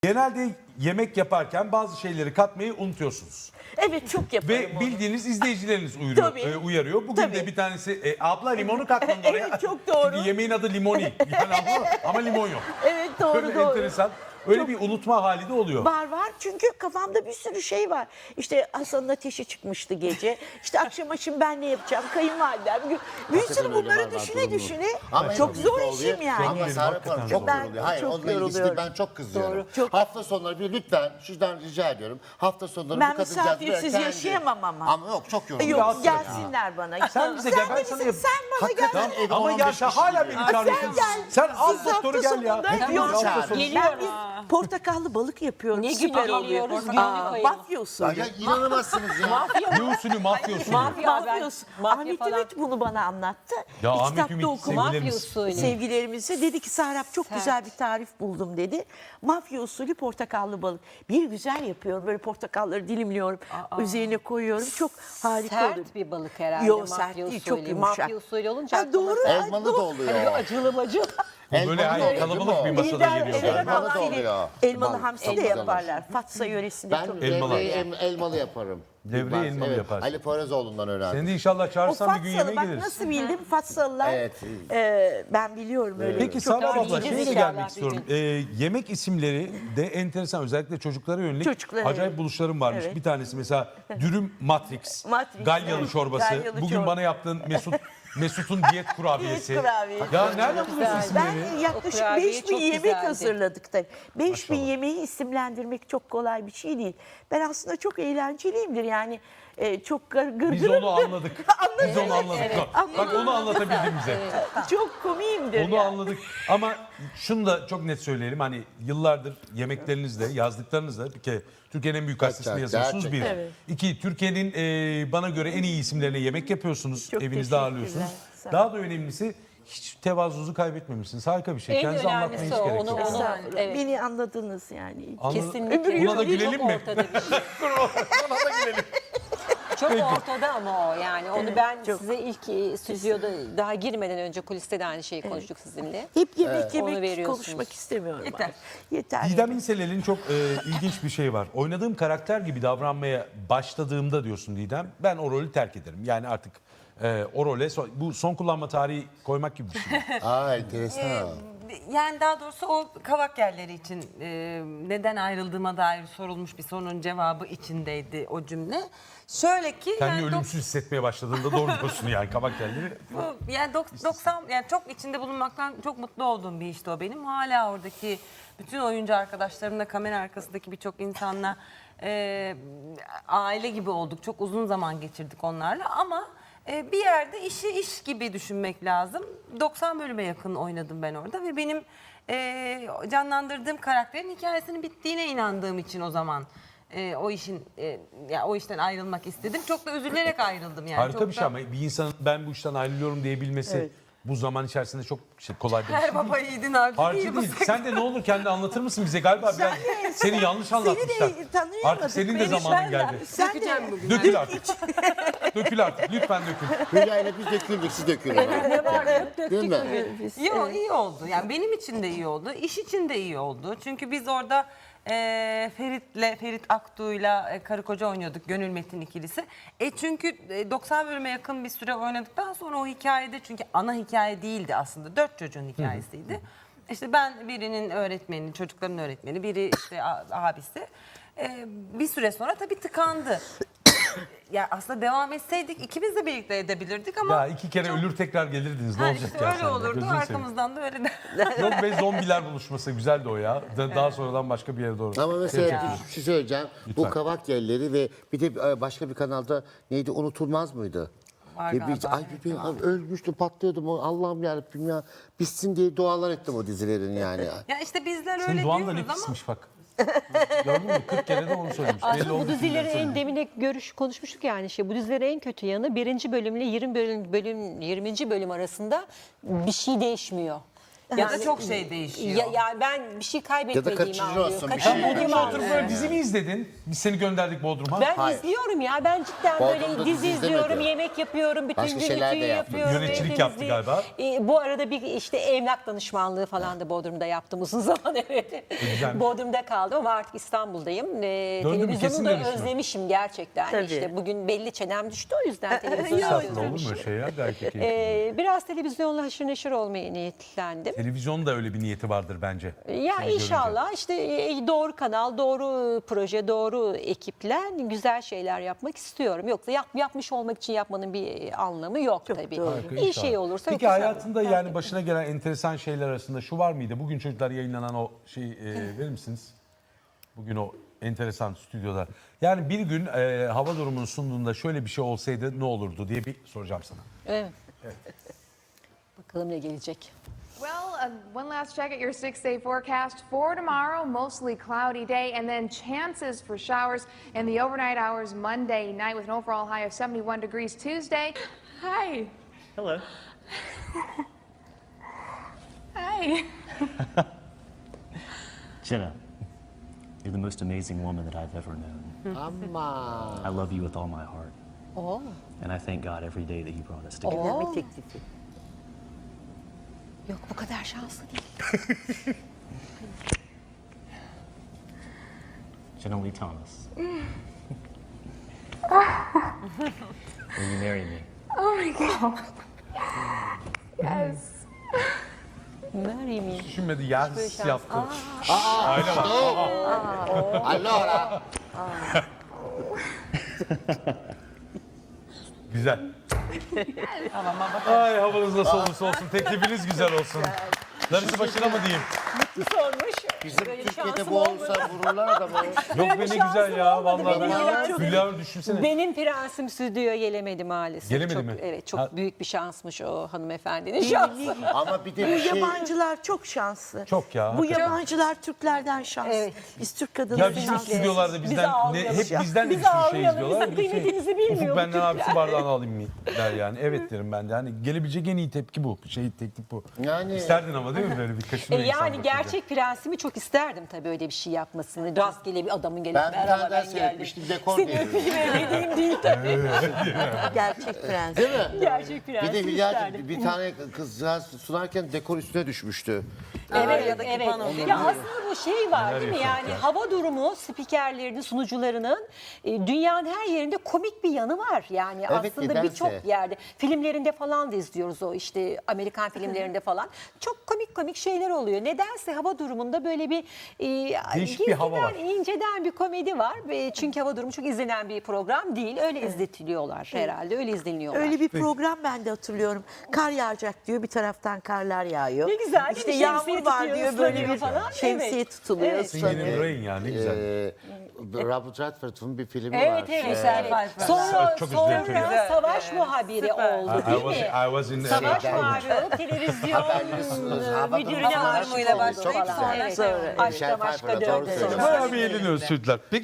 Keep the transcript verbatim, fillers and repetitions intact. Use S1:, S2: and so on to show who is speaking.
S1: Genelde yemek yaparken bazı şeyleri katmayı unutuyorsunuz.
S2: Evet, çok yaparım
S1: Ve
S2: onu.
S1: bildiğiniz izleyicileriniz uyuruyor,
S2: Tabii.
S1: e, uyarıyor. Bugün
S2: Tabii.
S1: de bir tanesi e, abla limonu katmadın oraya.
S2: Evet, çok doğru.
S1: Çünkü yemeğin adı limoni. Yani abla, ama limon yok.
S2: Evet, doğru
S1: Böyle
S2: doğru.
S1: enteresan. Öyle
S2: Çok-
S1: bir unutma hali de oluyor.
S2: Var var çünkü kafamda bir sürü şey var. İşte Hasan'ın ateşi çıkmıştı gece. İşte akşam akşam ben ne yapacağım? Kayınvalidem. Bir
S3: Hakikaten
S2: sürü
S3: öyle
S2: bunları
S3: var, var,
S2: düşüne
S3: durum bu.
S2: düşüne.
S3: Ama
S2: çok
S3: hepimizde
S2: zor
S3: oluyor.
S2: işim yani.
S3: Ama
S1: Benim
S3: Serap
S1: hakikaten
S3: Hanım çok
S2: Ben
S3: yoruluyor. Hayır
S2: çok
S3: onunla ilgisi değil,
S2: yoruluyorum.
S3: ben çok kızıyorum.
S2: Doğru, çok.
S3: Hafta sonları bir lütfen şuradan rica ediyorum. Hafta sonları
S2: Ben
S3: bu kadıncağız
S2: misafirsiz
S3: kendi-
S2: yaşayamam ama.
S3: Ama yok çok yoruluyor.
S2: Yok,
S1: Rahatsız
S2: gelsinler bana.
S1: Sen bize gel, ben
S2: de
S1: sana
S2: misin?
S1: yap-
S2: Sen bana
S3: Hakikaten
S2: gel.
S3: evi
S1: Ama
S3: on
S1: ya
S3: beş
S1: sen
S3: kişi
S1: hala
S3: geliyor.
S1: beni çağırıyorsun.
S2: Sen gel.
S1: Sen al
S2: Siz
S1: doktoru
S2: hafta
S1: gel ya.
S2: sonunda
S1: Hepimiz
S2: yok.
S1: hafta
S3: çağır.
S1: sonu.
S4: Geliyor
S2: Ben biz
S4: ha.
S2: portakallı balık yapıyorum.
S4: Ne
S2: Süper
S4: gibi
S2: oluyor.
S4: geliyoruz?
S2: Aa,
S4: Günlük ayırın.
S2: mafya
S3: Ya,
S2: usulü.
S3: ya inanamazsınız ya.
S1: Ne usulü, mafya usulü.
S4: Mafya,
S2: Mafya
S4: ben-
S2: usulü.
S4: mafya
S2: Ahmet
S4: falan.
S2: Ümit bunu bana anlattı.
S1: Ya Ahmet
S2: Kitapta
S1: Ümit,
S2: okuma.
S4: Mafya
S1: sevgilerimiz.
S4: usulü.
S2: Sevgilerimize dedi ki Serap çok
S4: Sert.
S2: güzel bir tarif buldum dedi. Mafya usulü portakallı balık. Bir güzel yapıyorum. Böyle portakalları dilimliyorum. Üzerine koyuyorum. Çok harika
S4: Sert
S2: oluyor.
S4: bir balık herhalde.
S2: Yok,
S4: mafya
S2: sert değil,
S4: usulü.
S2: çok yumuşak.
S4: Mafya usulü olunca
S2: Ha,
S4: aklıma
S2: doğru.
S4: sert.
S3: Elmalı
S2: Doğru.
S3: da oluyor.
S4: Hani acılı macılı.
S1: Bu böyle
S3: Elmalı
S1: hayır,
S3: da oluyor,
S1: kalabalık bir
S3: değil mi?
S1: masada
S2: Lider,
S1: geliyor.
S2: evet,
S1: galiba.
S3: Elmalı da
S2: hamsiyle-
S3: oluyor.
S2: Elmalı
S3: Balık,
S2: hamsi de
S3: elmalı.
S2: yaparlar. Fatsa yöresinde
S3: Ben
S2: çok
S1: Elmalı.
S3: devreyi em- elmalı yaparım.
S1: Devreyi
S3: Ben-
S1: elmalı
S3: evet,
S1: yaparsın.
S3: Ali Poyrazoğlu'ndan öğrendim.
S1: Seni de inşallah
S2: O
S1: çağırsan bir gün
S2: Fatsalı
S1: yemeğe
S2: bak
S1: geliriz.
S2: nasıl bildim Fatsalılar.
S3: Evet.
S2: e, ben biliyorum öyle.
S1: Peki
S2: çok
S1: Serap abla
S4: yiyeceğiz
S1: şeye de
S4: inşallah
S1: gelmek
S4: bir
S1: istiyorum.
S4: gün.
S1: Ee, yemek isimleri de enteresan, özellikle çocuklara yönelik
S2: Çocuklara
S1: acayip
S2: yönelik.
S1: buluşlarım varmış.
S2: Evet.
S1: Bir tanesi mesela dürüm Matrix,
S2: Matrix,
S1: Galyalı
S2: evet.
S1: çorbası.
S2: Galyalı
S1: Bugün
S2: çorba.
S1: bana yaptığın Mesut Mesut'un diyet kurabiyesi.
S2: Diyet kurabiyesi.
S1: Ya nereden buluyorsun isimleri?
S2: Ben yaklaşık
S4: O kurabiye
S2: beş bin
S4: çok
S2: yemek
S4: güzeldi.
S2: hazırladık tabii. beş bin
S1: Maşallah.
S2: yemeği isimlendirmek çok kolay bir şey değil. Ben aslında çok eğlenceliyimdir yani. e, çok gır gırgırım.
S1: Biz onu anladık. Biz onu anladık.
S4: evet.
S1: Bak onu anlatabildin bize.
S2: Çok komiyimdir
S1: Onu
S2: yani.
S1: anladık. Ama şunu da çok net söyleyelim. Hani yıllardır yemeklerinizle, yazdıklarınızla bir kere Türkiye'nin en büyük gazetesinde
S3: Gerçekten,
S1: yazıyorsunuz bir.
S3: gerçekten.
S2: Evet.
S1: İki, Türkiye'nin e, bana göre en iyi isimlerine yemek yapıyorsunuz.
S2: Çok
S1: Evinizde
S2: teşekkürler.
S1: ağırlıyorsunuz.
S2: Sağ olun.
S1: Daha da önemlisi hiç tevazunuzu kaybetmemişsiniz. Harika bir şey.
S4: En
S1: Kendinizi anlatmaya hiç
S4: önemlisi o,
S1: gerek
S4: onu-
S1: yok.
S4: onu-
S2: Estağfurullah.
S4: Evet.
S2: Beni anladınız yani.
S1: Anladın-
S4: Kesinlikle.
S1: Buna da
S4: Çok
S1: gülelim mi?
S4: ortada bir şey. Çok ortada ama o yani. Onu ben
S2: çok.
S4: size ilk e, stüdyoda daha girmeden önce kuliste de aynı şeyi konuştuk sizinle.
S2: Hep yemek
S4: Onu
S2: yemek
S4: veriyorsunuz.
S2: konuşmak istemiyorum.
S4: Yeter.
S2: artık. Yeter.
S1: Didem İnselel'in çok e, ilginç bir şey var. Oynadığım karakter gibi davranmaya başladığımda diyorsun Didem, ben o rolü terk ederim. Yani artık e, o role son- bu son kullanma tarihi koymak gibi bir şey.
S3: Aa enteresan.
S5: Yani daha doğrusu o kavak yerleri için e, neden ayrıldığıma dair sorulmuş bir sorunun cevabı içindeydi o cümle. Şöyle ki
S1: Kendini
S5: yani dok-
S1: ölümsüz hissetmeye başladığında doğru diyorsun yani kabak yerleri.
S5: bu, yani dok- doksan yani çok içinde bulunmaktan çok mutlu olduğum bir işti o benim. Hala oradaki bütün oyuncu arkadaşlarımla, kamera arkasındaki birçok insanla e, aile gibi olduk. Çok uzun zaman geçirdik onlarla ama e, bir yerde işi iş gibi düşünmek lazım. doksan bölüme yakın oynadım ben orada ve benim e, canlandırdığım karakterin hikayesinin bittiğine inandığım için o zaman e, o işin e, ya o işten ayrılmak istedim. Çok da üzülerek ayrıldım yani.
S1: Harika
S5: Çok
S1: bir şey
S5: da-
S1: ama bir insanın ben bu işten ayrılıyorum diyebilmesi
S2: Evet.
S1: bu zaman içerisinde çok şey, kolay bir şey
S5: Her
S1: değil.
S5: baba yiğidin harcı
S1: Harcı
S5: değil bu
S1: değil.
S5: sektör.
S1: Sen de ne olur kendi anlatır mısın bize? Galiba biraz seni yanlış anlatmışlar.
S2: tanıyamadık.
S1: Artık senin de
S2: Beni
S1: zamanın
S2: sen de-
S1: geldi.
S2: Sen de
S5: Dökeceğim bugün.
S1: Dökül artık. Dökül artık. Lütfen dökül.
S3: Hülya ile biz döküldük, siz dökülün.
S4: Ne var?
S3: Değil mi?
S5: Yo, iyi oldu. Yani benim için de iyi oldu. İş için de iyi oldu. Çünkü biz orada e, Ferit'le, Ferit Aktuğ'yla e, karı koca oynuyorduk. Gönül Metin ikilisi. E çünkü e, doksan bölüme yakın bir süre oynadıktan sonra o hikayede çünkü ana hikaye değildi aslında. Dört çocuğun hikayesiydi. İşte ben birinin öğretmeni, çocukların öğretmeni, biri işte a- abisi. E, bir süre sonra tabii tıkandı. Ya aslında devam etseydik ikimiz de birlikte edebilirdik ama
S1: Ya iki kere ölür tekrar gelirdiniz. Ne
S5: Ha,
S1: olacak
S5: işte
S1: ya
S5: öyle
S1: sende?
S5: olurdu.
S1: Gözünü seveyim.
S5: Arkamızdan da öyle de.
S1: Yok be zombiler buluşması güzeldi o ya. Da- Daha sonradan başka bir yere doğru.
S3: Ama mesela
S1: Yapacak
S3: bir şey söyleyeceğim.
S1: Lütfen.
S3: Bu kavak yerleri ve bir de e, başka bir kanalda neydi unutulmaz mıydı?
S5: Var
S3: Ve
S5: galiba,
S3: bir, ay,
S5: evet,
S3: bir,
S5: var.
S3: ölmüştüm patlıyordum o Allah'ım yarabbim ya. Bitsin diye dualar ettim o dizilerin yani.
S5: Ya işte bizler
S1: Senin
S5: öyle
S1: duan da ne
S5: diyoruz ama
S1: pismiş bak. Gördün mü? kırk kere de onu söylemiş. Belli
S4: Aslında
S1: oldu
S4: bu
S1: kimden
S4: dizilerin en
S1: söylediği.
S4: demine görüş konuşmuştuk yani şey. Bu dizilerin en kötü yanı birinci bölümle yirmi bölüm, bölüm yirminci bölüm arasında bir şey değişmiyor.
S5: Ya da çok şey değişiyor.
S4: Ya, yani ben bir şey kaybetmediğimi
S3: kaçıncı
S4: anlıyorum.
S3: olsun, bir
S4: Kaçıncı
S3: şey
S1: Sen Bodrum'da
S4: olduğumu
S1: oturup
S4: anlıyorum.
S1: böyle dizi mi izledin? Biz seni gönderdik Bodrum'a.
S4: Ben
S3: Hayır.
S4: izliyorum ya. Ben cidden
S3: Bodrum'da
S4: böyle
S3: dizi
S4: dizi izliyorum,
S3: izlemedi.
S4: yemek yapıyorum, bütün
S3: Başka
S4: gün
S3: şeyler
S4: ütüyü
S3: de yaptı.
S4: yapıyorum.
S1: Yöneticilik
S4: ev
S1: yaptı
S4: temizliği.
S1: galiba.
S4: E, bu arada bir işte emlak danışmanlığı falan da Bodrum'da yaptım uzun zaman evet.
S1: güzelmiş.
S4: Bodrum'da kaldım ama artık İstanbul'dayım. E,
S1: Döndün mü? Kesin
S4: televizyonu da
S1: dönüşme.
S4: özlemişim gerçekten.
S2: Tabii.
S4: İşte bugün belli çenem düştü o yüzden televizyonu
S1: Estağfurullah, olur mu
S4: özlemişim.
S1: öyle şey ya? Gayet keyifli.
S4: E, biraz televizyonla haşır neşir olmaya niyetlendim.
S1: Televizyonun da öyle bir niyeti vardır bence.
S4: Ya
S1: Seni
S4: inşallah işte e, doğru kanal, doğru proje, doğru ekiple güzel şeyler yapmak istiyorum. Yoksa yap, yapmış olmak için yapmanın bir anlamı yok
S2: Çok
S4: tabii.
S2: doğru.
S1: Harika,
S4: İyi
S1: inşallah.
S4: şey olursa
S1: Peki
S4: yoksa-
S1: hayatında yani başına gelen enteresan şeyler arasında şu var mıydı? Bugün çocuklar yayınlanan o şeyi e, verir misiniz? Bugün o enteresan stüdyoda. Yani bir gün e, hava durumunu sunduğunda şöyle bir şey olsaydı ne olurdu diye bir soracağım sana.
S4: Evet. Bakalım ne gelecek.
S6: Well, uh, one last check at your six-day forecast for tomorrow. Mostly cloudy day, and then chances for showers in the overnight hours Monday night with an overall high of seventy-one degrees. Tuesday, hi.
S7: Hello.
S6: Hi.
S7: Jenna, you're the most amazing woman that I've ever known.
S3: Ama.
S7: I love you with all my heart.
S4: Oo.
S7: And I thank God every day that He brought us together.
S2: Evlenme teklifi.
S4: Yok bu kadar şanslı değil.
S7: Jenna Lee Thomas. Will you marry me?
S6: Oh my God. Yes.
S4: Marry me.
S1: Düşünmedi yaz
S4: şans.
S1: yaptı. Aile var.
S3: Allora.
S1: Güzel. Ay havanız nasıl olursa olsun. Teklifiniz güzel olsun. Darısı başına mı diyeyim?
S4: Sormuş.
S3: Bizim
S4: Böyle
S3: Türkiye'de
S4: şansım
S3: bu
S4: olmadı.
S3: olsa vururlar da bu.
S1: Yok be ne
S4: şansım
S1: güzel ya.
S4: olmadı
S1: Vallahi
S4: benim
S1: ben
S4: ya.
S1: Hülya düşünsene.
S4: Benim prensim stüdyoya gelemedi maalesef.
S1: Gelemedi
S4: çok,
S1: mi?
S4: Evet çok
S1: Ha-
S4: büyük bir şansmış o hanımefendinin şansı.
S3: Ama bir de
S2: Bu
S3: bir şey.
S2: yabancılar çok şanslı.
S1: Çok ya,
S2: Bu
S1: hakikaten.
S2: yabancılar Türklerden şanslı.
S4: Evet.
S2: Biz Türk
S1: Ya
S2: kadınları
S1: bizim
S2: şanslı.
S1: stüdyolarda bizden ne,
S4: ağlayalım.
S1: hep bizden de
S4: Biz
S1: bir sürü şey
S4: ağlayalım,
S1: izliyorlar.
S4: bizim kıymetimizi bilmiyor
S1: Ufuk
S4: bu
S1: benden
S4: Türkler.
S1: abisi bardağını alayım mı der yani. Evet derim ben de. Hani gelebilecek en iyi tepki bu. Şey teklif bu.
S3: Yani-
S1: İsterdin ama değil mi böyle bir
S4: E
S1: kaşınıyor insan
S4: yani
S1: bakınca.
S4: gerçek prensimi çok isterdim tabii öyle bir şey yapmasını. Rastgele bir adamın gelip
S3: Ben bir
S4: merhaba
S3: tane daha
S4: ben geldim.
S3: seyretmiştim, dekor
S4: Seni
S3: diye.
S4: öpeyim öyle değil tabii.
S2: Gerçek prens.
S3: Değil mi?
S4: Gerçek
S3: Bir
S4: prensim
S3: de Hülya'cığım
S4: isterdim.
S3: bir tane kızcağız sunarken dekor üstüne düşmüştü.
S4: Evet,
S5: ya da
S4: evet.
S5: pano.
S4: Ya aslında bu şey var
S1: Neler
S4: değil mi?
S1: yaşadık
S4: Yani
S1: ya.
S4: hava durumu spikerlerinin, sunucularının e, dünyanın her yerinde komik bir yanı var. Yani
S3: Evet,
S4: aslında
S3: nedense.
S4: birçok yerde filmlerinde falan da izliyoruz o işte Amerikan filmlerinde falan. Çok komik komik şeyler oluyor. Nedense hava durumunda böyle bir e,
S1: Değişik bir hava var.
S4: gizliden, inceden bir komedi var. E, çünkü hava durumu çok izlenen bir program değil. Öyle izletiliyorlar herhalde. Öyle izleniyorlar.
S2: Öyle bir program ben de hatırlıyorum. Kar yağacak diyor, bir taraftan karlar yağıyor.
S4: Ne güzel, değil mi?
S2: İşte
S4: Şemsiye
S2: yağmur var
S4: tutuyor,
S2: diyor, böyle
S4: ıslanıyor
S2: bir
S4: falan.
S2: şemsiye
S4: Evet.
S2: tutuluyor.
S4: Evet.
S1: Singing in
S2: ıslanıyor.
S1: the Rain ya ne güzel.
S3: Ee, Robert Redford'un bir filmi
S4: Evet
S3: var.
S4: evet.
S5: Michelle
S4: evet.
S5: Pfeiffer.
S4: Sonra,
S1: Çok
S4: sonra
S1: üzüldüm.
S4: savaş
S5: Evet,
S4: muhabiri
S5: süper.
S4: oldu
S1: I, I
S4: değil
S1: was,
S4: mi?
S1: I was in
S4: Savaş
S3: Şeyden-
S4: muhabiri olup televizyon
S3: Haberleri- hava
S4: müdürüne
S3: durumu
S4: aşık
S5: durumuyla
S4: oldu
S5: başlayıp
S4: falan.
S5: sonra
S4: Evet.
S5: şey oldu.
S3: Michelle
S4: Aşkta
S3: Pfeiffer'a
S4: maşka
S3: doğru
S4: döndü.
S3: söylüyorsun.
S1: Bayağı bir eğleniyoruz çocuklar. Peki